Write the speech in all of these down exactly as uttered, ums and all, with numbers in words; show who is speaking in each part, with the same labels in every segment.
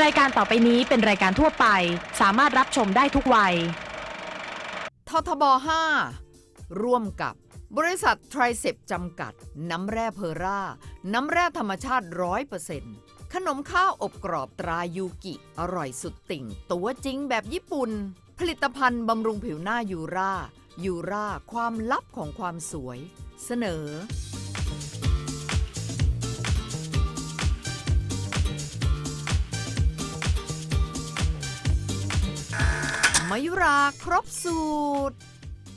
Speaker 1: ายการต่อไปนี้เป็นรายการทั่วไปสามารถรับชมได้ทุกวัย
Speaker 2: ททบ ห้า ร่วมกับบริษัทไทรเซปจำกัดน้ำแร่เพอร่าน้ำแร่ธรรมชาติ ร้อยเปอร์เซ็นต์ ขนมข้าวอบกรอบตรายูกิอร่อยสุดติ่งตัวจริงแบบญี่ปุ่นผลิตภัณฑ์บำรุงผิวหน้ายูรายูราความลับของความสวยเสนอมายุราครบสูตร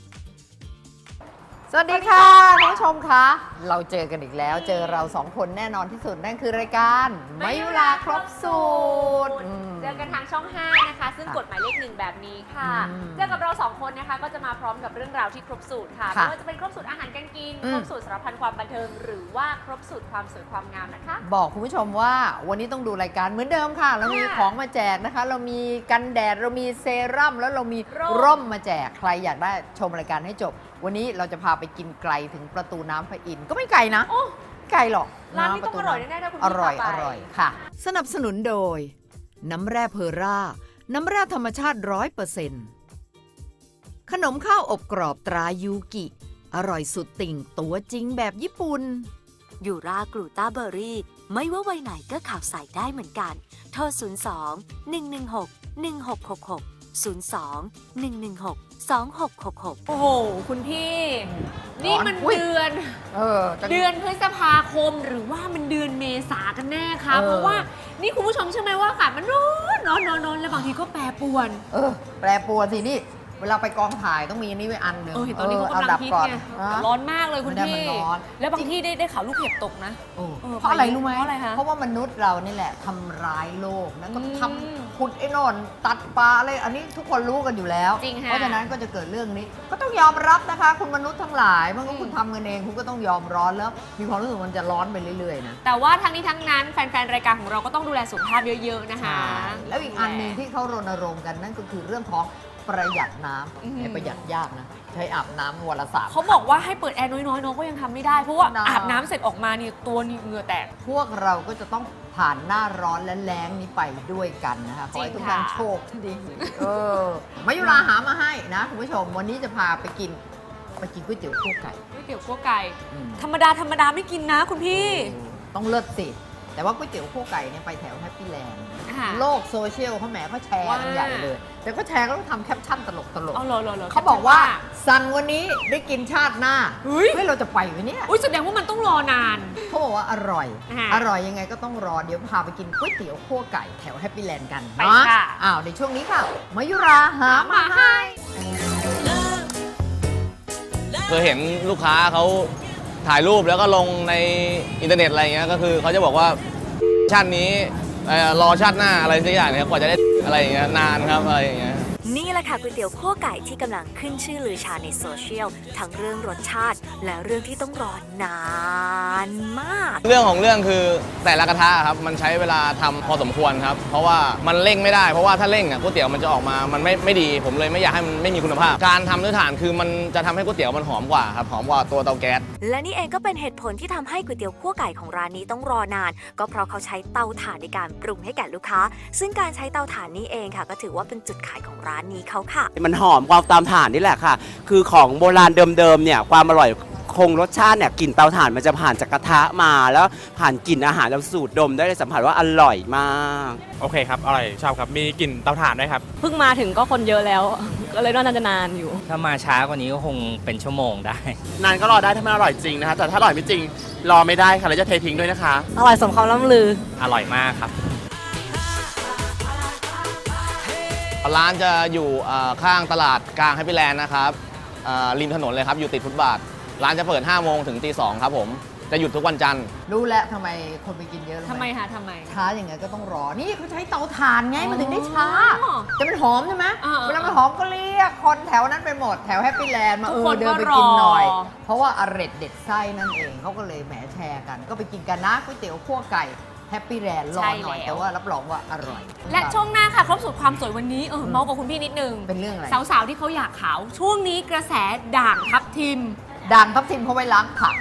Speaker 2: สวัสดีค่ะท่านผู้ชมคะเราเจอกันอีกแล้วเจอเราสองคนแน่นอนที่สุดนั่นคือรายการมายุราครบสูตร
Speaker 3: เจอกันทางช่องห้านะคะซึ่งกฎหมายเลขหนึ่งแบบนี้ค่ะเจอกับเราสองคนนะคะก็จะมาพร้อมกับเรื่องราวที่ครบสูตรค่ะไม่ว่าจะเป็นครบสูตรอาหารการกินครบสูตรสารพันความบันเทิงหรือว่าครบสูตรความสวยความงามนะคะ
Speaker 2: บอกคุณผู้ชมว่าวันนี้ต้องดูรายการเหมือนเดิมค่ะเรามีของมาแจกนะคะเรามีกันแดดเรามีเซรั่มแล้วเรามีร่มมาแจกใครอยากได้ชมรายการให้จบวันนี้เราจะพาไปกินไกลถึงประตูน้ำพระอินทร์ก็ไม่ไกลนะไกลหรอก
Speaker 3: ร้านนี้ต้องอร่อยแน่ๆถ้าคุณ
Speaker 2: อร่อยอร่อยค่ะสนับสนุนโดยน้ำแร่เพอร่าน้ำแร่ธรรมชาติ ร้อยเปอร์เซ็นต์ ขนมข้าวอบกรอบตรายูกิอร่อยสุดติ่งตัวจริงแบบญี่ปุ่น
Speaker 4: ยูรากลูต้าเบอร์รี่ไม่ว่าวัยไหนก็ข่าวใส่ได้เหมือนกันโทรศูนย์ สอง หนึ่ง หนึ่ง หก หนึ่ง หก หก หก ศูนย์ สอง หนึ่ง หนึ่ง หก สอง หก หก หก
Speaker 3: โอ้โหคุณพี่นี่มันเดือน
Speaker 2: เออ
Speaker 3: เดือนพฤษภาคมหรือว่ามันเดือนเมษากันแน่คะเพราะว่านี่คุณผู้ชมเชื่อไหมว่าอากาศมันร้อนร้อนร้อนร้อนแล้วบางทีก็แปรปรวน
Speaker 2: เออแปรปรวนสินี่เวลาไปกองถ่ายต้องมีอันนี้ไว้อันหนึ่ง
Speaker 3: เออเห็นตอนนี้เขากำลังฮิตไงร้อนมากเลยคุณพี่แล้วบางที่ได้ได้ข่าวลูกเห็บตกนะ
Speaker 2: เพราะอะไรรู้ไหม
Speaker 3: เพราะอะไรคะ
Speaker 2: เพราะว่ามนุษย์เรานี่แหละทำร้ายโลกนะก็ทำขุดไอ้นอนตัดปลาอะไรอันนี้ทุกคนรู้กันอยู่แล้วเพราะฉะนั้นก็จะเกิดเรื่องนี้ก็ต้องยอมรับนะคะคุณมนุษย์ทั้งหลายเมื่อคุณทำกันเองคุณก็ต้องยอมร้อนแล้วมีความรู้สึกมันจะร้อนไปเรื่อยๆนะ
Speaker 3: แต่ว่าทั้งนี้ทั้งนั้นแฟนๆรายการของเราก็ต้องดูแลสุขภาพเยอะๆนะคะ
Speaker 2: แล้วอีกอันนึงที่เขารณรงค์กันนั่นก็คือเรื่องของประหยัดน้ำประหยัดยากนะใช้อาบน้ำวันละสาม
Speaker 3: เขาบอกว่าให้เปิดแอร์น้อยๆน้องก็ยังทำไม่ได้เพราะว่าอาบน้ำเสร็จออกมานี่ตัวนี่เหงื่อแตก
Speaker 2: พวกเราก็จะต้องผ่านหน้าร้อนและแล้งนี้ไปด้วยกันนะคะขอให้ทุกท่านโชคดีเออมายุราหามาให้นะคุณผู้ชมวันนี้จะพาไปกินไปกินก๋วยเตี๋ยวคั่วไก่
Speaker 3: ก๋วยเตี๋ยวคั่วไก่ธรรมดาธรรมดาไม่กินนะคุณพี่
Speaker 2: ต้องเลิศสิแต่ว่าก๋วยเตี๋ยวคั่วไก่เนี่ยไปแถวแฮปปี้แลนด์โลกโซเชียลเขาแหมเขาแชร์กันใหญ่เลยแต่ก็แชร์ก็ต้องทำแคปชั่นตลกตลกเขาบอกว่าสั่งวันนี้ได้กินชาติหน้าเฮ้ยเราจะไปไหมเนี่ย
Speaker 3: อุ้ยแสดงว่ามันต้องรอนาน
Speaker 2: เขาบอกว่าอร่อยอร่อยยังไงก็ต้องรอเดี๋ยวพาไปกินก๋วยเตี๋ยวคั่วไก่แถวแฮปปี้แลนด์กัน
Speaker 3: นะ
Speaker 2: อ้าวในช่วงนี้ค่ะมายุราหามาให้
Speaker 5: เคยเห็นลูกค้าเขาถ่ายรูปแล้วก็ลงในอินเทอร์เน็ตอะไรเงี้ยก็คือเขาจะบอกว่าชาตินี้รอชาติหน้าอะไรสักอย่างเนี่ยกว่าจะได้อะไรอย่างเงี้ยนานครับอะไรอย่างเงี้ย
Speaker 4: นี่แหละค่ะก๋วยเตี๋ยวคั่วไก่ที่กำลังขึ้นชื่อลือชาในโซเชียลทั้งเรื่องรสชาติและเรื่องที่ต้องรอนานมาก
Speaker 5: เรื่องของเรื่องคือแต่ละกระทะครับมันใช้เวลาทำพอสมควรครับเพราะว่ามันเร่งไม่ได้เพราะว่าถ้าเร่งอ่ะก๋วยเตี๋ยวมันจะออกมามันไม่ไม่ดีผมเลยไม่อยากให้มันไม่มีคุณภาพการทำด้วยถ่านคือมันจะทำให้ก๋วยเตี๋ยวมันหอมกว่าครับหอมกว่าตัวเตาแก๊ส
Speaker 4: และนี่เองก็เป็นเหตุผลที่ทำให้ก๋วยเตี๋ยวคั่วไก่ของร้านนี้ต้องรอนานก็เพราะเขาใช้เตาถ่านในการปรุงให้แก่ลูกค้าซึ่งการใช้เตาถ่านนี้เองค่ะก็ถือว่าเป็นจุดขายของร้านนี้เขาค่ะ
Speaker 6: มันหอมความตามถ่านนี่แหละค่ะคือของโบราณเดิมๆเนี่ยความอร่อยคงรสชาติเนี่ยกลิ่นเตาถ่านมันจะผ่านจากกระทะมาแล้วผ่านกลิ่นอาหารเราสูดดมได้สัมผัสว่าอร่อยมาก
Speaker 7: โอเคครับอร่อยชอบครับมีกลิ่นเตาถ่านด้วยครับ
Speaker 8: เพิ่งมาถึงก็คนเยอะแล้วก็เลยน่าจะนานอยู่
Speaker 9: ถ้ามาช้ากว่านี้ก็คงเป็นชั่วโมงได้
Speaker 6: นานก็รอได้ถ้ามันอร่อยจริงนะคะแต่ถ้าอร่อยไม่จริงรอไม่ได้ค่ะแล้วจะเททิ้งด้วยนะคะ
Speaker 8: อร่อยสมคำล่ำลือ
Speaker 9: อร่อยมากครับ
Speaker 5: ร้านจะอยู่ข้างตลาดกลางแฮปปี้แลนด์นะครับริมถนนเลยครับอยู่ติดฟุตบาทร้านจะเปิดห้าโมงถึงตีสองครับผมจะหยุดทุกวันจันทร์
Speaker 2: รู้แล้วทำไมคนไปกินเยอะ
Speaker 3: ทำไมคะทำไม
Speaker 2: ช้าอย่างไงก็ต้องรอนี่เขาใช้เตาถ่านไงมันถึงได้ช้าแต่มันหอมใช่ไหมเวลามันหอมก็เรียกคนแถวนั้นไปหมดแถวแฮปปี้แลนด์มาเออเดินไปกินหน่อยเพราะว่าอร่อยเด็ดไส้นั่นเองเขาก็เลยแหมแชร์กันก็ไปกินกันนะก๋วยเตี๋ยวคั่วไก่แฮปปี้แลนด์รอหน่อยแต่ว่ารับรองว่าอร่อย
Speaker 3: และช่วงหน้าค่ะครบสูตรความสวยวันนี้เออเมาส์กับคุณพี่นิดนึง
Speaker 2: เป็นเรื่องอะไร
Speaker 3: สาวๆที่เขาอยากขาวช่วงนี้กระแสด่างทับทิม
Speaker 2: ด่างทับทิมเขาไว้ล้างผัก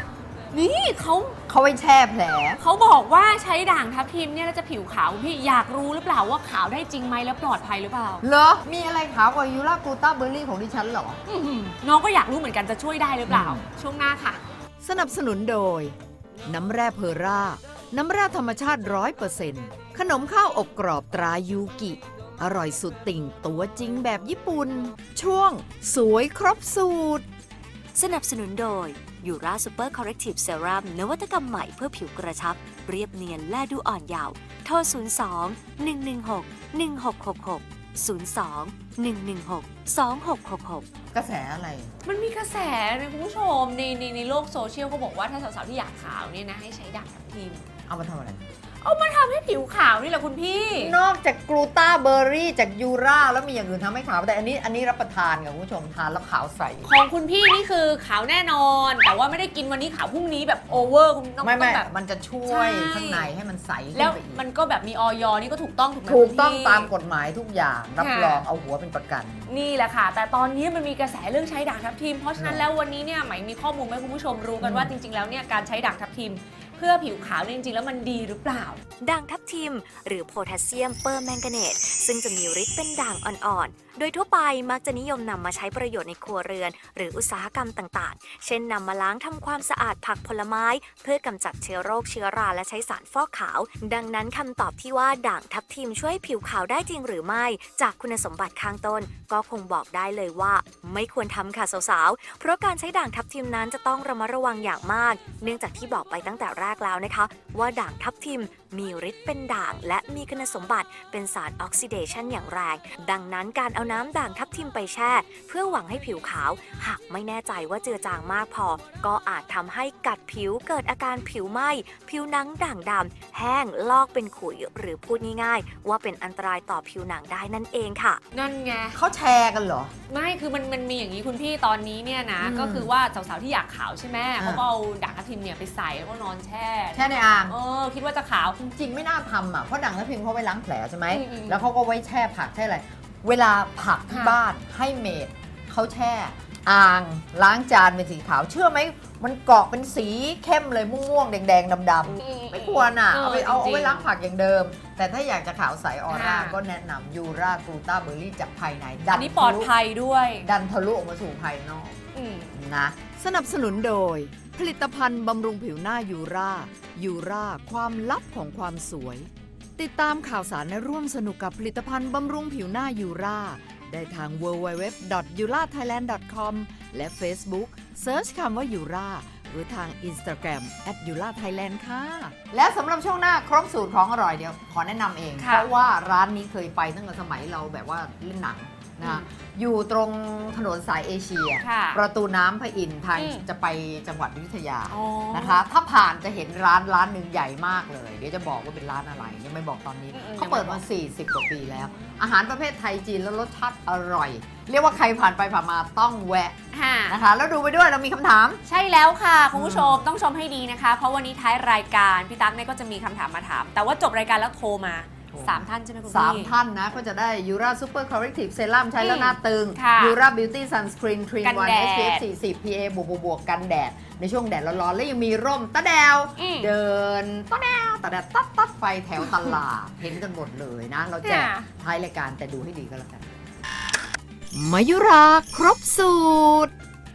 Speaker 3: นี่เขา
Speaker 2: เขาไว้แช่แผล
Speaker 3: เขาบอกว่าใช้ด่างทับทิมเนี่ยแล้วจะผิวขาวคุณพี่อยากรู้หรือเปล่าว่าขาวได้จริงไหมแล้วปลอดภัยหรือเปล่า
Speaker 2: เหรอ มีอะไรขาวกว่ายูรากลูตาเบอร์รี่ของดิฉันเหรอ
Speaker 3: อื้อหือน้องก็อยากรู้เหมือนกันจะช่วยได้หรือเปล่า
Speaker 2: อืม
Speaker 3: ช่วงหน้าค่ะ
Speaker 2: สนับสนุนโดย น้ำแร่เพอร่า น้ำแร่ธรรมชาติร้อยเปอร์เซ็นต์ขนมข้าวอบกรอบตรายูกิ อร่อยสุดติ่งตัวจริงแบบญี่ปุ่น ช่วง สวยครบสูตร
Speaker 4: สนับสนุนโดยยูราซูเปอร์คอร์เรกทีฟเซรั่มนวัตกรรมใหม่เพื่อผิวกระชับ เรียบเนียนและดูอ่อนเยาว์โทร ศูนย์ สอง หนึ่ง หนึ่ง หก หนึ่ง หก หก หก ศูนย์ สอง หนึ่ง หนึ่ง หก สอง หก หก หก
Speaker 2: กระแสอะไร
Speaker 3: มันมีกระแสนะคุณผู้ชมในในในโลกโซเชียลเขาบอกว่าถ้าสาวๆที่อยากขาวเนี่ยนะให้ใช้ด่างทับทิม
Speaker 2: เอามาทำอะไร
Speaker 3: เอามาทำให้ผิวขาวนี่แหละคุณพี่
Speaker 2: นอกจากกลูตาเบอร์รี่จากยูราแล้วมีอย่างอื่นทำให้ขาว แต่อันนี้อันนี้รับประทานกับคุณผู้ชมทานแล้วขาวใส
Speaker 3: ของคุณพี่นี่คือขาวแน่นอน แต่ว่าไม่ได้กินวันนี้ขาวพรุ่งนี้แบบโอเวอร์คุณต้อง
Speaker 2: ไม่
Speaker 3: ต้
Speaker 2: ไม่
Speaker 3: องแบบ
Speaker 2: มันจะช่วย
Speaker 3: ใช่
Speaker 2: ข้างในให้มันใสขึ้น
Speaker 3: แล้ว
Speaker 2: ไปอีก
Speaker 3: มันก็แบบมีออยนี่ก็ถูกต้องถูกไหม
Speaker 2: ถูกต้อง
Speaker 3: คุณพี่
Speaker 2: ตามกฎหมายทุกอย่างรับ
Speaker 3: ค่ะ
Speaker 2: รองเอาหัวเป็นประกัน
Speaker 3: นี่แหละค่ะ แต่ตอนนี้มันมีกระแสเรื่องใช้ด่างทับทิม เพราะฉะนั้นแล้ววันนี้เนี่ยไหมมีข้อมูลให้คุณผู้ชมรู้กันว่าจริง ๆ แล้วเนี่ยการใช้ด่างทับทิม เพื่อผิวขาวเนี่ยจริงๆแล้วมันดีหรือเปล่า
Speaker 4: ด่างทับทิม หรือโพแทสเซียมเปอร์แมงกาเนตซึ่งจะมีฤทธิ์เป็นด่างอ่อนๆ โดยทั่วไปมักจะนิยมนำมาใช้ประโยชน์ในครัวเรือน หรืออุตสาหกรรมต่างๆ เช่นนำมาล้างทำความสะอาดผักผลไม้ เพื่อกำจัดเชื้อโรคเชื้อราและใช้สารฟอกขาว ดังนั้นคำตอบที่ว่าด่างทับทิมช่วยให้ผิวขาวได้จริงหรือไม่ จากคุณสมบัติข้างต้น ก็คงบอกได้เลยว่า ไม่ควรทำค่ะสาวๆ เพราะการใช้ด่างทับทิมนั้นจะต้องระมัดระวังอย่างมาก เนื่องจากที่บอกไปตั้งแต่แรกแล้วนะคะ ว่าด่างทับทิมมีฤทธิ์เป็นด่าง และมีคุณสมบัติเป็นสารออกซิเดชันอย่างแรง ดังนั้นการเอาน้ำด่างทับทิมไปแช่ เพื่อหวังให้ผิวขาว หากไม่แน่ใจว่าเจือจางมากพอ ก็อาจทำให้กัดผิวเกิดอาการผิวไหม้ ผิวหนังด่างดำแห้งลอกเป็นขุย หรือพูดง่ายๆ ว่าเป็นอันตรายต่อผิวหนังได้นั่นเองค่ะ
Speaker 3: นั่นไง
Speaker 2: เขาแชร์กันเหรอ
Speaker 3: ไม่คือมันมันมีอย่างนี้คุณพี่ตอนนี้เนี่ยนะ
Speaker 2: อืม
Speaker 3: ก็คือว่าสาวๆที่อยากขาวใช่ไหม
Speaker 2: อ่า
Speaker 3: เขาก็เอาด่างทับทิมเนี่ยไปใส่แล้วก็นอนแช่
Speaker 2: แช่ในอ่าง
Speaker 3: เออคิดว่าจะขาว
Speaker 2: จริงๆ ไม่น่าทำอ่ะ เพราะด่างทับทิมเขาไว้ล้างแผลใช่ไหม
Speaker 3: อืมอืม
Speaker 2: แล้วเขาก็ไว้แช่ผักแช่อะไร เวลาผักที่
Speaker 3: ค่ะ
Speaker 2: บ้านให้เมดเขาแช่ อ่างล้างจานเป็นสีขาว เชื่อไหม มันเกาะเป็นสีเข้มเลยม่วงๆ แดงๆ ดำๆ ไม่ควรอ่ะ เอาไปเอาเอาไว้ล้างผักอย่างเดิม แต่ถ้าอยากจะขาวใสออร่า ก็แนะนำยูรากลูตาเบอร์รี่จากภายในดั
Speaker 3: อันนี้ปลอดภัยด้วย
Speaker 2: ดันทะลุออกมาสู่ภายนอก
Speaker 3: อืม
Speaker 2: นะสนับสนุนโดย ผลิตภัณฑ์บำรุงผิวหน้ายูรายูราความลับของความสวย ติดตามข่าวสารและร่วมสนุกกับผลิตภัณฑ์บำรุงผิวหน้ายูราได้ทาง ดับเบิลยู ดับเบิลยู ดับเบิลยู ดอท ยูราไทยแลนด์ ดอท คอม และ Facebook เซิร์ชคำว่ายูราหรือทาง Instagram แอท ยูราไทยแลนด์ ค่ะ และสำหรับช่วงหน้าครบสูตรของอร่อยเดียว ขอแนะนำเอง
Speaker 3: ค่ะ
Speaker 2: เพราะว่าร้านนี้เคยไปตั้งแต่สมัยเราแบบว่าเล่นหนังนะอยู่ตรงถนนสายเอเชีย
Speaker 3: ค่ะ
Speaker 2: ประตูน้ำพระอินทร์ทาง
Speaker 3: อืม
Speaker 2: จะไปจังหวัดอยุธยา
Speaker 3: อ๋อ
Speaker 2: นะคะ ถ้าผ่านจะเห็นร้านร้านหนึ่งใหญ่มากเลย เดี๋ยวจะบอกว่าเป็นร้านอะไร ยังไม่บอกตอนนี้
Speaker 3: อืมๆ
Speaker 2: เขาเปิดมา สี่สิบ กว่าปีแล้ว อาหารประเภทไทยจีนแล้วรสชาติอร่อย เรียกว่าใครผ่านไปผ่านมาต้องแวะ
Speaker 3: ค่ะ
Speaker 2: นะคะ แล้วดูไปด้วยเรามีคำถาม
Speaker 3: ใช่แล้วค่ะ คุณผู้ชมต้องชมให้ดีนะคะ เพราะวันนี้ท้ายรายการพี่ตั๊กเนี่ยก็จะมีคำถามมาถาม แต่ว่าจบรายการแล้วโทรมา
Speaker 2: โทรมา
Speaker 3: สามท่านใช่ไหมคุณ
Speaker 2: สาม
Speaker 3: พี่
Speaker 2: ท่านนะ ก็จะได้ยูราซูเปอร์คอร์เรกทีฟเซรั่มใช้แล้วหน้าตึง
Speaker 3: ค่ะ
Speaker 2: ยูราบิวตี้ซันสกรีนทรีน
Speaker 3: กัน
Speaker 2: วัน
Speaker 3: แดด
Speaker 2: เอส พี เอฟ สี่สิบ พี เอ บวกบวกกันแดด ในช่วงแดดร้อนๆ และยังมีร่มตะแดว
Speaker 3: อืม
Speaker 2: เดินตะแดวตะแดดตัดตัดไฟแถวตลาด เห็นกันหมดเลยนะ เราแจก
Speaker 3: ค่ะ
Speaker 2: ท้ายรายการแต่ดูให้ดีก็แล้วกันมายุราครบสูตร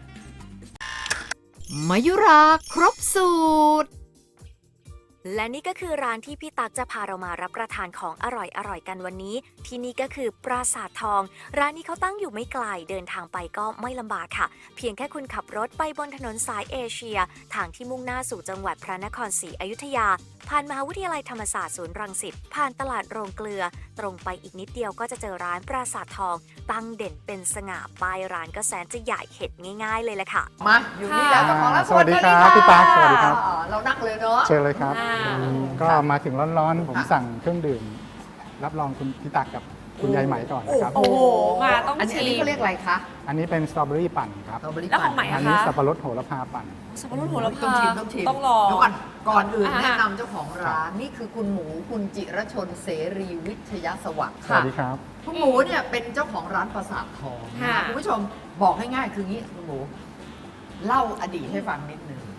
Speaker 2: มายุราครบสูตร
Speaker 4: และนี่ก็คือร้านที่พี่ตั๊กจะพาเรามารับประทานของอร่อยๆกันวันนี้ ที่นี่ก็คือปราสาททอง ร้านนี้เขาตั้งอยู่ไม่ไกลเดินทางไปก็ไม่ลำบากค่ะ เพียงแค่คุณขับรถไปบนถนนสายเอเชีย ทางที่มุ่งหน้าสู่จังหวัดพระนครศรีอยุธยา ผ่านมหาวิทยาลัยธรรมศาสตร์ศูนย์รังสิตผ่านตลาดโรงเกลือ ตรงไปอีกนิดเดียวก็จะเจอร้านปราสาททอง ตั้งเด่นเป็นสง่าป้ายร้านก็แสนจะใหญ่เห็นง่ายๆเลยแหละค่ะ
Speaker 2: มาอยู่นี่แล้วเจ้าของร้าน
Speaker 10: สวัสดีครับพี่ตั๊กสวัสดีครับ
Speaker 2: เรานั่งเลยเนาะ
Speaker 10: เชิญเลยครับ
Speaker 3: อ่า
Speaker 10: อืมก็มาถึงร้อนๆ ผมสั่งเครื่องดื่ม รับรองคุณพี่ตักกับคุณยายไหมก่อนนะครับ
Speaker 3: โอ้โหมาต้อง
Speaker 2: อันนี้
Speaker 3: ชิ
Speaker 2: อัน
Speaker 3: ม
Speaker 2: นี้เขาเรียกอะไรคะ
Speaker 10: อันนี้เป็นสตรอเบอรี่ปั่นครับ
Speaker 2: สตรอเบอรี่
Speaker 3: แล้วของใหม่
Speaker 10: อั
Speaker 3: อะ
Speaker 10: นี้
Speaker 3: คะ
Speaker 10: สับปะรดโหระพาปั่น
Speaker 3: สับปะรดโหระ
Speaker 2: ต้อ
Speaker 3: พาง
Speaker 2: ชิมต้องชิม
Speaker 3: ต้องลอง
Speaker 2: เดี๋ยวก่อนก่อนอื่น
Speaker 3: อ่า
Speaker 2: แนะนำเจ้าของร้านนี่คือคุณหมูคุณจิรชนเสรีวิทยาสวัสดิ์
Speaker 10: สวั
Speaker 2: ค่ะ
Speaker 10: สดีครับ
Speaker 2: คุณหมูเนี่ยเป็นเจ้าของร้านปราสาททอง
Speaker 3: ค่ะ
Speaker 2: นะคุณผู้ชมบอกง่ายๆคืองี้คุณหมู เล่าอดีตให้ฟังนิดนึง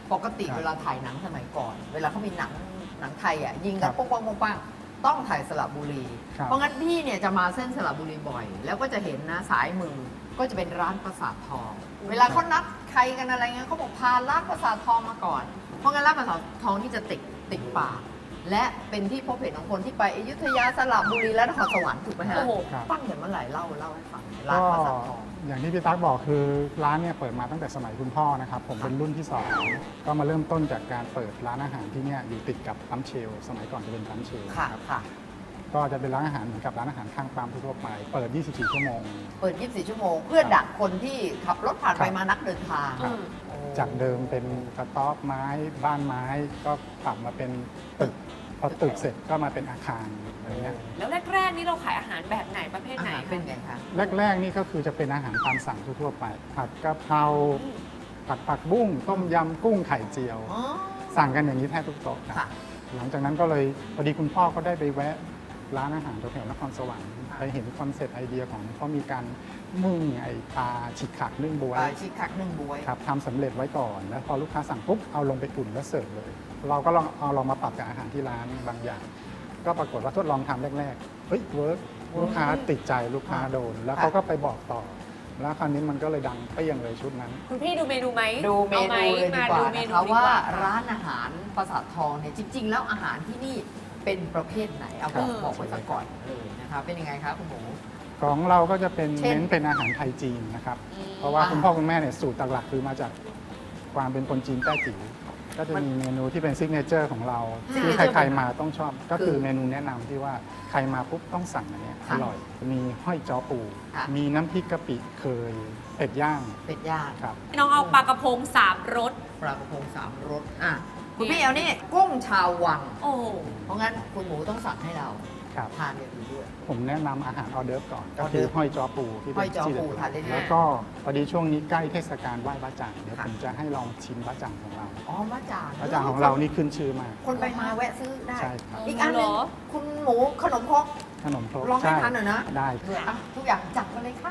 Speaker 2: ปกติเวลาถ่ายหนังสมัยก่อน เวลาเขามีหนังหนังไทยอ่ะยิงกันปุ้งปังปุ้งปังต้องถ่ายสระบุรี
Speaker 10: ครับ
Speaker 2: เพราะงั้นพี่เนี่ยจะมาเส้นสระบุรีบ่อย แล้วก็จะเห็นนะสายมือก็จะเป็นร้านปราสาททอง เวลาเขานัดใครกันอะไรเงี้ยเขาบอกพาร้านปราสาททองมาก่อน เพราะงั้นร้านปราสาททองที่จะติดติดปากและเป็นที่พบเห็นของคนที่ไปอยุธยาสระบุรีและนครสวรรค์ถูกไหมฮะ
Speaker 3: โอ้โห
Speaker 10: ครับ
Speaker 2: ตั้งแต่เมื่อไหร่เล่าเล่าให้ฟังร้าน
Speaker 10: ก็
Speaker 2: ปราสาททอง
Speaker 10: อย่างที่พี่ตั๊กบอกคือร้านเนี่ยเปิดมาตั้งแต่สมัยคุณพ่อนะครับ ผมเป็นรุ่นที่สองก็มาเริ่มต้นจากการเปิดร้านอาหารที่เนี่ยอยู่ติดกับปั๊มเชลล์สมัยก่อนจะเป็นปั๊มเชลล์
Speaker 2: ค่ะ
Speaker 10: ครับ
Speaker 2: ค่ะ
Speaker 10: ก็จะเป็นร้านอาหารเหมือนกับร้านอาหารข้างปั๊มทั่วๆไปเปิด ยี่สิบสี่ ชั่วโมง
Speaker 2: เปิด ยี่สิบสี่ ชั่วโมง เพื่อดักคนที่ขับรถผ่านไป
Speaker 10: ครับ
Speaker 2: มานักเดินทาง
Speaker 10: ครับ
Speaker 2: โอ้
Speaker 10: จากเดิมเป็นกระต๊อบไม้บ้านไม้ก็ปรับมาเป็นตึกพอตึกเสร็จก็มาเป็นอาคารอะไรเงี้ย
Speaker 3: แล้วแรกๆนี่เราขายอาหารแบบไหนประเภท
Speaker 2: อา
Speaker 3: ไหน
Speaker 2: หารเป็นไงคะ
Speaker 10: แรกๆนี่ก็คือจะเป็นอาหารตามสั่งทั่วๆไป ผัดกะเพราผัดผักบุ้งต้มยำกุ้งไข่เจียว
Speaker 2: อ๋อ
Speaker 10: สั่งกันอย่างนี้แทบทุกโต๊ะครับ
Speaker 2: ค่ะ
Speaker 10: หลังจากนั้นก็เลยพอดีคุณพ่อก็ได้ไปแวะร้านอาหารแถวๆนครสวรรค์ไปเห็นคอนเซ็ปต์ไอเดียของเขามีการนึ่งไอปลาฉิกขักนึ่งบวย
Speaker 2: ปลาชิคคักนึ่งบวย
Speaker 10: ครับทำสำเร็จไว้ก่อน แล้วพอลูกค้าสั่งปุ๊บเอาลงไปอุ่นแล้วเสิร์ฟเลย เราก็ลองเอาลองมาปรับกับอาหารที่ร้านบางอย่าง ก็ปรากฏว่าทดลองทำแรกๆเฮ้ยเวิร์กลูกค้าติดใจลูกค้าโดน แล้วเขาก็ไปบอกต่อ แล้วคราวนี้มันก็เลยดังเปรี้ยงเลยชุดนั้น
Speaker 3: คุณพี่ดูเมนูไหม
Speaker 2: ดูเม
Speaker 3: อาไห
Speaker 2: นูเลยดีกว่า
Speaker 3: มาดูเม
Speaker 2: นะ
Speaker 3: นู
Speaker 2: คะ
Speaker 3: ดีก
Speaker 2: ว่า
Speaker 3: ว่า
Speaker 2: ร้านอาหารปราสาททองเนี่ยจริง ๆ แล้วอาหารที่นี่เป็นประเภทไหนเอาบอก
Speaker 3: เออ
Speaker 2: บอกไว้สักก่อนเลยนะคะเป็นยังไงคะคุณหมู
Speaker 10: ของเราก็จะเป็น
Speaker 2: เช่น
Speaker 10: เน้นเป็นอาหารไทยจีนนะครับ
Speaker 3: อืม
Speaker 10: เพราะว่า
Speaker 2: อ่า
Speaker 10: คุณพ่อคุณแม่เนี่ยสูตรหลักๆคือมาจากความเป็นคนจีนแต้จิ๋วก็จะมีเมนูที่เป็นซิกเนเจอร์ของเรา ที่ใครๆมาต้องชอบ ก็คือเมนูแนะนำที่ว่าใครมาปุ๊บต้องสั่งอันเนี้ยอร่อย มีห้อยจ้อปู
Speaker 2: ค่ะ
Speaker 10: มีน้ำพริกกะปิเคยเป็ดย่าง
Speaker 2: เป็ดย่าง
Speaker 10: ครับ
Speaker 3: น้องเอาปลากระพงสามรส
Speaker 2: ปลากระพงสามรสอ่ะคุณพี่เอานี่กุ้งชาววัง
Speaker 3: โอ้โห
Speaker 2: เพราะงั้นคุณหมูต้องสั่งให้เรา
Speaker 10: ครับ
Speaker 2: ทานอย่างอื่นด้วย
Speaker 10: ผมแนะนำอาหารออเดิร์ฟก่อน ก็
Speaker 2: ออเดิ
Speaker 10: คือ
Speaker 2: ร์ฟ
Speaker 10: ห้อยจ้อปูที่
Speaker 2: ห้
Speaker 10: เป็
Speaker 2: อย
Speaker 10: น
Speaker 2: จ้อ
Speaker 10: ที่
Speaker 2: ปู
Speaker 10: เด็ด
Speaker 2: ทานได้ด้วย
Speaker 10: แล้วก็พอดีช่วงนี้ใกล้เทศกาลไหว้บ้าจ่างเดี๋ยว
Speaker 2: ค่ะ
Speaker 10: ผมจะให้ลองชิมบ้าจ่างของเรา
Speaker 2: อ๋อมะจาง
Speaker 10: บ้าจ่างของเรานี่ขึ้นชื่อมาก
Speaker 2: คนไปมาแวะซื้อได้
Speaker 10: ใช่ครับ
Speaker 2: อีกอันหนึงคุณหมูขนมครก
Speaker 10: ขนมครก
Speaker 2: ลองให้
Speaker 10: ใช่
Speaker 2: ทานหน่อยนะ
Speaker 10: ได้
Speaker 2: เผื่ออ่ะทุกอย่างจัดมาเลยค่ะ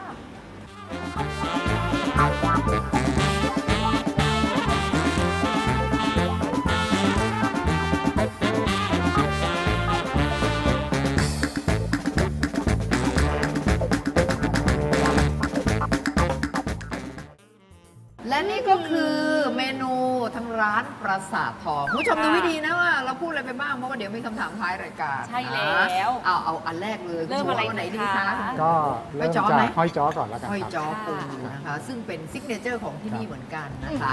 Speaker 2: และนี่ก็คือเมนูทางร้านปราสาททองคุณผู้ชมดูให้ดีนะว่าเราพูดอะไรไปบ้าง เพราะว่าเดี๋ยวมีคำถามท้ายรายการ
Speaker 3: ใช่แล้ว
Speaker 2: นะเอาเอาอันแรกเลย
Speaker 3: เริ่มอะไร
Speaker 2: คุณหไหนดี
Speaker 3: ดี
Speaker 2: คะ
Speaker 3: คะ
Speaker 10: ก็เริ่ม
Speaker 2: ห้อยจ้อ
Speaker 10: จา
Speaker 2: ไหม
Speaker 10: กห้อยจ้อก่อนแล้วกัน
Speaker 2: ห้อย
Speaker 10: ครับ
Speaker 2: จ้อปูนะคะ ซึ่งเป็นซิกเนเจอร์ของที่นี่เหมือนกันนะคะ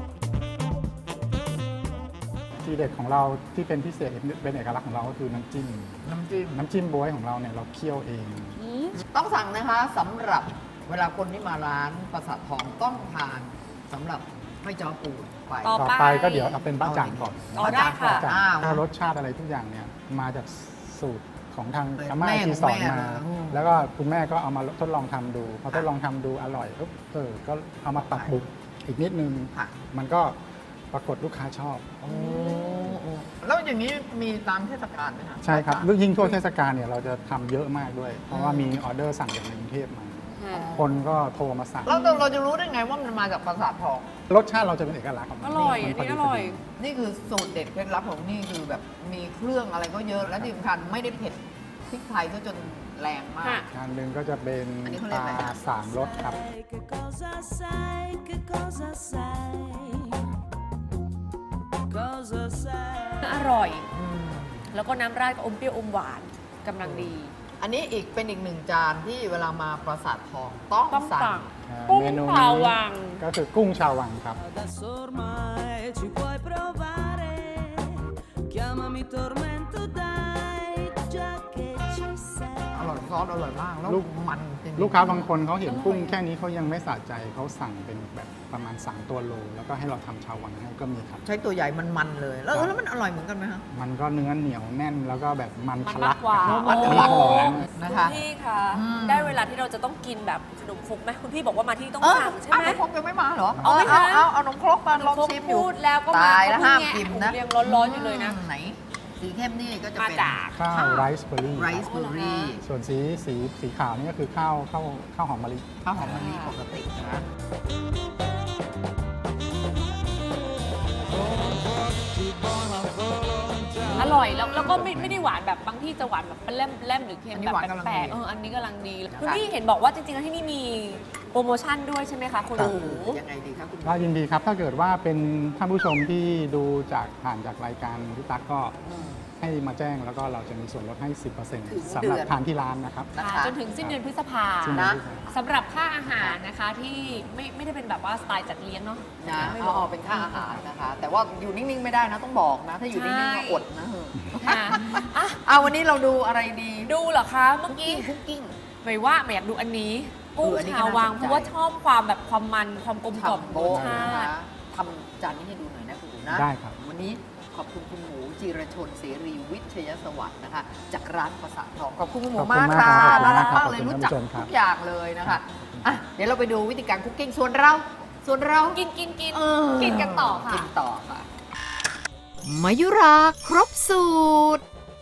Speaker 10: ทีเด็ดของเราที่เป็นพิเศษเป็นเอกลักษณ์ของเราก็คือน้ำจิ้ม
Speaker 2: น้ำจิ้ม
Speaker 10: น้ำจิ้มบ๊วยของเราเนี่ยเราเคี่ยวเอง
Speaker 2: ต้องสั่งนะคะสำหรับเวลาคนที่มาร้านปราสาททองต้องทานสำหรับห้อยจ้อปูไป
Speaker 3: ต่อ
Speaker 10: ต่อไปก็เดี๋ยวเอาเป็นบ้าจ่างก่อน
Speaker 3: อ๋อได้ค่ะ
Speaker 10: บ้าจ่าง
Speaker 2: อ้าว
Speaker 10: ถ้ารสชาติอะไรทุกอย่างเนี่ยมาจากสูตรของทาง
Speaker 2: เออ
Speaker 10: อาม่า
Speaker 2: แม่
Speaker 10: ที่สอน
Speaker 2: ของแม่
Speaker 10: มา
Speaker 2: อืม
Speaker 10: แล้วก็คุณแม่ก็เอามาทดลองทำดูพอทดลองทำดูอร่อยปุ๊บเออก็เอามาปรับปรุงอีกนิดนึง
Speaker 2: ค่ะ
Speaker 10: มันก็ปรากฏลูกค้าชอบ
Speaker 2: โอ้โอ้แล้วอย่างนี้มีตามเทศกาลไหมคะ
Speaker 10: ใช่ครับยิ่งทั่วเทศกาลเนี่ยเราจะทำเยอะมากด้วย เพราะว่ามีออเดอร์สั่งจากในกรุงเทพมา คนก็โทรมาสั่ง
Speaker 2: แล้วเราเราจะรู้ได้ไงว่ามันมาจากปราสาททอง
Speaker 10: รสชาติเราจะเป็นเอกลักษณ์ของมัน
Speaker 3: อร่อย
Speaker 10: มั
Speaker 3: อัน
Speaker 10: พ
Speaker 3: นี้
Speaker 10: ดี
Speaker 3: อร่อย
Speaker 10: พดี
Speaker 2: นี่คือสูตรเด็ดเคล็ดลับของนี่คือแบบมีเครื่องอะไรก็เยอะและที่สำคัญไม่ได้เผ็ดพริกไทยซะจนแรงมาก
Speaker 3: ค่ะ
Speaker 10: งานหนึ่งก็จะเป็น
Speaker 2: อันนี้เขา
Speaker 10: ป
Speaker 2: เรียก
Speaker 10: ลา
Speaker 2: อะไร
Speaker 10: สามรสครับ
Speaker 11: Che cosa sai, che cosa sai, cosa sai.
Speaker 3: อร่อย แล้วก็น้ำราดก็อมเปรี้ยวอมหวานกำลังดี
Speaker 2: อันนี้อีกเป็นอีกหนึ่งจานที่เวลามาปราสาททองต้อง
Speaker 3: ต้อง
Speaker 2: สั่
Speaker 3: สั่
Speaker 2: ง
Speaker 3: ง
Speaker 10: อ่า
Speaker 3: กุ้ง
Speaker 10: เมนู
Speaker 3: ชาว
Speaker 10: นี้
Speaker 3: วัง
Speaker 10: ก็คือกุ้งชาววังครับ
Speaker 11: Adesso ormai ci puoi provare, chiamami tormento dai, già che ci sei.
Speaker 2: อร่อยซอสอร่อยมากแล้ว
Speaker 10: ลูก
Speaker 2: มันจริงๆ
Speaker 10: ลูกค้าบางคนเขาเห็นกุ้งแค่นี้เขายังไม่สะใจเขาสั่งเป็นแบบประมาณสามตัวโลแล้วก็ให้เราทำชาววังให้ก็มีครับ
Speaker 2: ใช้ตัวใหญ่มันมันๆเลย แล้ว
Speaker 10: ครับ
Speaker 2: แล้วมันอร่อยเหมือนกันไหมคะ
Speaker 10: มันก็เนื้อเหนียวแน่นแล้วก็แบบมัน
Speaker 3: มัน
Speaker 10: ทะลั
Speaker 3: มากกว่า
Speaker 10: ครับ
Speaker 2: มัน
Speaker 10: อัน
Speaker 2: ทะ
Speaker 10: นี้
Speaker 2: ลัก
Speaker 10: หอม
Speaker 2: นะคะ
Speaker 3: คุณพี่คะ
Speaker 2: อืม
Speaker 3: ได้เวลาที่เราจะต้องกินแบบขนมครกไหมคุณพี่บอกว่ามาที่ต้อง
Speaker 2: เออ
Speaker 3: สั่งใช่
Speaker 2: เอา
Speaker 3: ไหม
Speaker 2: นมครกยังไม่มาเหรอ
Speaker 3: เอาไหมคะ
Speaker 2: เอาเอานมครกมาลอง
Speaker 3: ครก
Speaker 2: ชิมอยู่
Speaker 3: พูดแล้วก็มา
Speaker 2: ตายแล้ว
Speaker 3: เข
Speaker 2: ห้าม
Speaker 3: เพิ่ง
Speaker 2: กิน
Speaker 3: แง
Speaker 2: นะ
Speaker 3: ผมยังร้อนๆอยู่เลยนะ
Speaker 2: ไหน สีเข้มนี่ก็จะ
Speaker 3: มา
Speaker 2: เป็น
Speaker 3: จาก
Speaker 10: ข้าวไรซ์เบอร์รี่
Speaker 2: ไรซ์เบอร์รี่
Speaker 10: ส่วนสีสีสีขาวนี่ก็คือข้าวข้าวข้าวหอมมะลิ
Speaker 2: ข้าวหอมมะลิปกตินะโอ้
Speaker 3: ร่อยแล้วแล้วก็ไม่ไม่ได้หวานแบบบางที่จะหวานแบบแล่มแล่มหรือเค็ม
Speaker 2: อันนี้
Speaker 3: แบบ
Speaker 2: หวานกำลัง
Speaker 3: แปลก
Speaker 2: ดี
Speaker 3: ๆเอออันนี้กำลังดี
Speaker 2: นะคะ
Speaker 3: คุณพี่เห็นบอกว่าจริงๆแล้วที่นี่มีโปรโมชั่นด้วยใช่ไหมคะคุณ
Speaker 10: ครั
Speaker 3: ห
Speaker 10: บ
Speaker 3: มู
Speaker 2: ยังไงดีครับคุณ
Speaker 10: ก็ยินดีครับ ถ้าเกิดว่าเป็นท่านผู้ชมที่ดูจากผ่านจากรายการพี่ตั๊กก็ให้มาแจ้งแล้วก็เราจะมีส่วนลดให้ สิบเปอร์เซ็นต์
Speaker 2: ถึง
Speaker 10: สำหรับ
Speaker 2: เดือน
Speaker 10: ทานที่ร้านนะครับ
Speaker 2: นะ
Speaker 3: ค่ะ
Speaker 2: คะ
Speaker 3: จนถึงสิ้นเดือนพฤษภา
Speaker 10: สิ้นเดือ
Speaker 2: นะ
Speaker 10: พฤษภา
Speaker 3: สำหรับค่าอาหารนะคะที่ไม่ไม่ได้เป็นแบบว่าสไตล์จัดเลี้ยงเนาะ
Speaker 2: นะ
Speaker 3: ไม่
Speaker 2: เอาเอาเป็นค่าอาหารนะคะ แต่ว่าอยู่นิ่ง ๆ ไม่ได้นะต้องบอกนะ ถ้าอยู่นิ่งๆก็อดนะ
Speaker 3: ค่ะอ่ะ
Speaker 2: เอาวันนี้เราดูอะไรดี
Speaker 3: ดูเหรอคะเมื่อกี้
Speaker 2: คุกกิ้ง
Speaker 3: หมายว่าหมายอยากดูอันนี้กุ้ง
Speaker 2: เอออันนี้ก็
Speaker 3: ชาววัง
Speaker 2: น่าสนใจ
Speaker 3: เพราะว่าชอบความแบบความมันความกลมกล่อม
Speaker 2: ฉ่ำ
Speaker 3: ร
Speaker 2: โบ๊
Speaker 3: ส
Speaker 2: ะ
Speaker 3: ชา
Speaker 2: นะคะ
Speaker 3: ติ
Speaker 2: ทำจานนี้ให้ดูหน่อยนะคุณหนูนะ
Speaker 10: ได้ครับ
Speaker 2: วันนี้ขอบคุณคุณหมูจิรชนเสรีวิทยสวัสดิ์นะคะ จากร้านประสาททองขอบคุณคุณหมู
Speaker 10: ขอบคุณ
Speaker 2: มาก
Speaker 10: มาก
Speaker 2: ค่ะ
Speaker 10: ครับ
Speaker 2: น่ารัก
Speaker 10: ขอบ
Speaker 2: มาก
Speaker 10: คุณ
Speaker 2: เลย
Speaker 10: ครับ
Speaker 2: รู้จัก
Speaker 10: ขอบคุณครับ
Speaker 2: ทุกอย่างเลยนะคะอ่ะเดี๋ยวเราไปดูวิธีการคุกกิ้งส่วนเรา ส่วนเรา
Speaker 3: กินกินกิน
Speaker 2: เออ
Speaker 3: กินกันต่อค่ะ
Speaker 2: กินต่อค่ะมายุราครบสูตร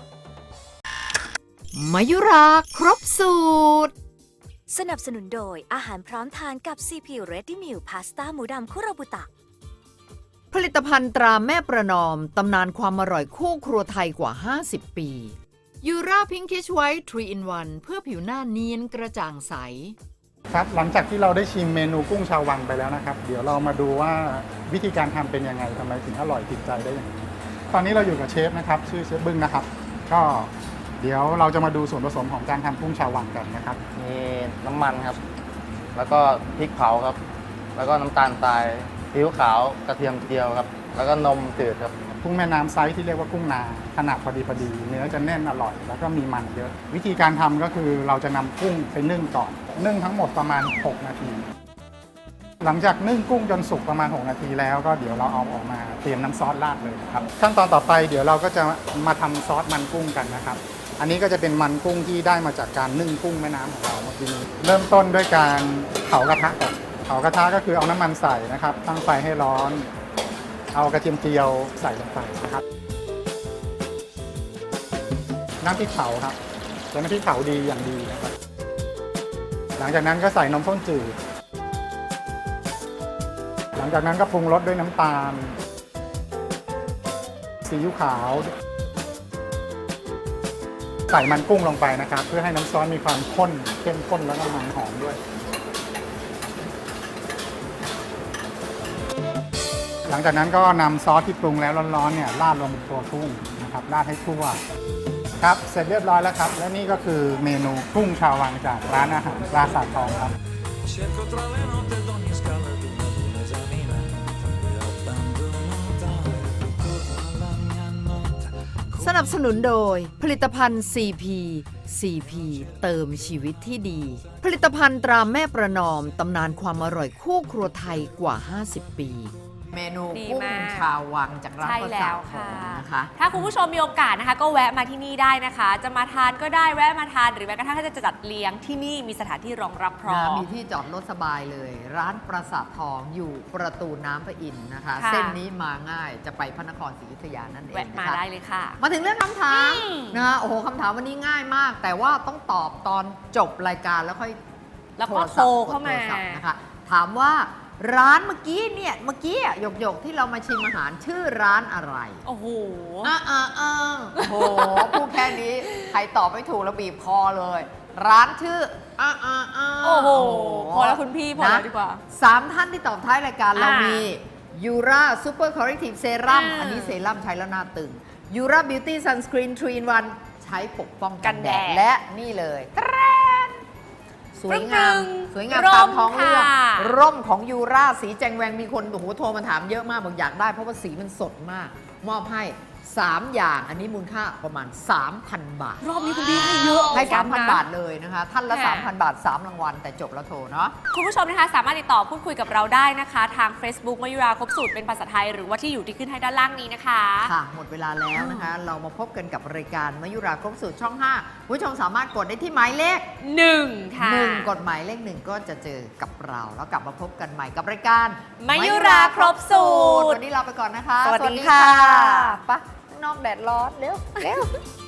Speaker 2: มายุราครบสูตร
Speaker 4: สนับสนุนโดยอาหารพร้อมทานกับ ซี พี Ready Meal พาสต้าหมูดำคุโรบุตะ
Speaker 2: ผลิตภัณฑ์ตราแม่ประนอม ตำนานความอร่อยคู่ครัวไทยกว่า ห้าสิบ ปียูราพิงคิชไวท์ทรี in วันเพื่อผิวหน้าเนียนกระจ่างใส
Speaker 10: ครับหลังจากที่เราได้ชิมเมนูกุ้งชาววังไปแล้วนะครับ เดี๋ยวเรามาดูว่าวิธีการทำเป็นยังไงทำไมถึงอร่อยติดใจได้อย่างนี้ ตอนนี้เราอยู่กับเชฟนะครับ ชื่อเชฟบึ้งนะครับ ก็เดี๋ยวเราจะมาดูส่วนผสมของการทำกุ้งชาววังกันนะครับ
Speaker 5: มีน้ำมันครับ แล้วก็พริกเผาครับ แล้วก็น้ำตาลทรายซีอิ๊วขาวกระเทียมเจียวครับ แล้วก็นมจืดครับ
Speaker 10: กุ้งแม่น้ำไซส์ที่เรียกว่ากุ้งนาขนาดพอดีพอดีเนื้อจะแน่นอร่อย แล้วก็มีมันเยอะ วิธีการทำก็คือเราจะนำกุ้งไปนึ่งก่อน นึ่งทั้งหมดประมาณ หก นาที หลังจากนึ่งกุ้งจนสุกประมาณ หก นาทีแล้วก็เดี๋ยวเราเอาออกมาเตรียมน้ำซอสราดเลยครับขั้นตอนต่อไปเดี๋ยวเราก็จะมาทำซอสมันกุ้งกันนะครับ อันนี้ก็จะเป็นมันกุ้งที่ได้มาจากการนึ่งกุ้งแม่น้ำของเราเมื่อกี้นี้เริ่มต้นด้วยการเผากระทะก่อนเผากระทะก็คือเอาน้ำมันใส่นะครับตั้งไฟให้ร้อน เอากระเทียมเจียวใส่ลงไปนะครับน้ำพริกเผาครับใช้น้ำพริกเผาดีอย่างดีนะครับหลังจากนั้นก็ใส่นมข้นจืดหลังจากนั้นก็ปรุงรสด้วยน้ำตาลซีอิ๊วขาวใส่มันกุ้งลงไปนะครับ เพื่อให้น้ำซอสมีความข้นเข้มข้นแล้วก็มันหอมด้วย หลังจากนั้นก็นำซอสที่ปรุงแล้วร้อนๆเนี่ยราดลงบนตัวกุ้งนะครับราดให้ทั่วครับเสร็จเรียบร้อยแล้วครับ และนี่ก็คือเมนูกุ้งชาววังจากร้านอาหารปราสาททองครับ
Speaker 11: Cerco tra le note d'ogni scala d'una luna esaminata e abbandono tale ritorno alla mia nota
Speaker 2: สนับสนุนโดยผลิตภัณฑ์ ซี พี ซี พี เติมชีวิตที่ดี ผลิตภัณฑ์ตราแม่ประนอม ตำนานความอร่อยคู่ครัวไทยกว่า ห้าสิบ ปี เมนู
Speaker 3: ดี
Speaker 2: กุ้ง
Speaker 3: มาก
Speaker 2: ชาววังจากร้าน
Speaker 3: ใช่
Speaker 2: ประ
Speaker 3: แล้
Speaker 2: สาท
Speaker 3: ว
Speaker 2: ทอ
Speaker 3: ค่ะ
Speaker 2: งนะคะ
Speaker 3: ถ้าคุณผู้ชมมีโอกาสนะคะ ก็แวะมาที่นี่ได้นะคะ จะมาทานก็ได้แวะมาทานหรือแม้กระทั่งถ้าจะจัดเลี้ยงที่นี่มีสถานที่รองรับพร้อ
Speaker 2: นะ
Speaker 3: ม
Speaker 2: มีที่จอดรถสบายเลย ร้านประสาททองอยู่ประตูน้ำพระอินทร์นะคะ
Speaker 3: ค่ะ
Speaker 2: เส้นนี้มาง่ายจะไปพระนครศรีอยุธยานั่นเอง
Speaker 3: แวะมา
Speaker 2: นะคะ
Speaker 3: ได้เลยค่ะ
Speaker 2: มาถึงเรื่องคำถาม
Speaker 3: อืม
Speaker 2: นะคะโอ้โหคำถามวันนี้ง่ายมาก แต่ว่าต้องตอบตอนจบรายการแล้วค่อย
Speaker 3: แล้วก็โทรเข้ามา
Speaker 2: โทรศัพท์นะคะถามว่าร้านเมื่อกี้เนี่ยเมื่อกี้อะหยกหยกๆที่เรามาชิมอาหารชื่อร้านอะไร
Speaker 3: โอ้โห
Speaker 2: อ่าอ่าอ่าโอ้โหพูดแค่นี้ใครตอบไม่ถูกแล้วบีบคอเลย ร้านชื่ออ่าอ่าอ่า
Speaker 3: โอ้โห พอแล้วคุณพี่พอแล้ว
Speaker 2: นะ
Speaker 3: ดีกว่า
Speaker 2: สามท่านที่ตอบท้ายรายการเรา
Speaker 3: อ่ามี
Speaker 2: มียูราซูเปอร์คอร์เรกทีฟเซรั่ม
Speaker 3: อ่า
Speaker 2: อันนี้เซรั่มใช้แล้วหน้าตึงยูราบิวตี้ซันสกรีนทรี in วันใช้ปกป้องกันแด
Speaker 3: กัน
Speaker 2: ด
Speaker 3: แดด
Speaker 2: และนี่เลยตะแรนสวยงาม
Speaker 3: ปรึ้งๆ
Speaker 2: สวยงาม
Speaker 3: ร่ม
Speaker 2: ตามท้องเรื่อง
Speaker 3: ค่ะ
Speaker 2: ร่มของยูราสีแจงแวงมีคนโอ้โหโทรมาถามเยอะมากบอกอยากได้เพราะว่าสีมันสดมาก มอบให้ สาม อย่างอันนี้มูลค่าประมาณ สามพัน บาท
Speaker 3: รอบนี้คุณพี่ให้เยอะ
Speaker 2: ให้
Speaker 3: เหมือนกั
Speaker 2: สามพัน
Speaker 3: นะ
Speaker 2: บาทเลยนะคะ ท่านละ
Speaker 3: ค่ะ
Speaker 2: สามพัน บาท สาม รางวัล แต่จบแล้วโทรเนาะ
Speaker 3: คุณผู้ชมนะคะสามารถติดต่อพูดคุยกับเราได้นะคะ ทาง Facebook มายุราครบสูตรเป็นภาษาไทย หรือว่าที่อยู่ที่ขึ้นให้ด้านล่างนี้นะคะ
Speaker 2: ค่ะ หมดเวลาแล้วนะคะ เรามาพบกันกับรายการมยุราครบสูตรช่อง ห้าผู้ชมสามารถกดได้ที่หมายเลข
Speaker 3: หนึ่งค่ะ
Speaker 2: หนึ่งกดหมายเลขหนึ่งก็จะเจอกับเรา แล้วกลับมาพบกันใหม่กับรายการ
Speaker 3: มยุราครบสูตร
Speaker 2: วันนี้ลาไปก่อนนะคะ
Speaker 3: สวัสดีค่ะ
Speaker 2: ไปะข้างนอกแดดร้อนเร็วเร็ว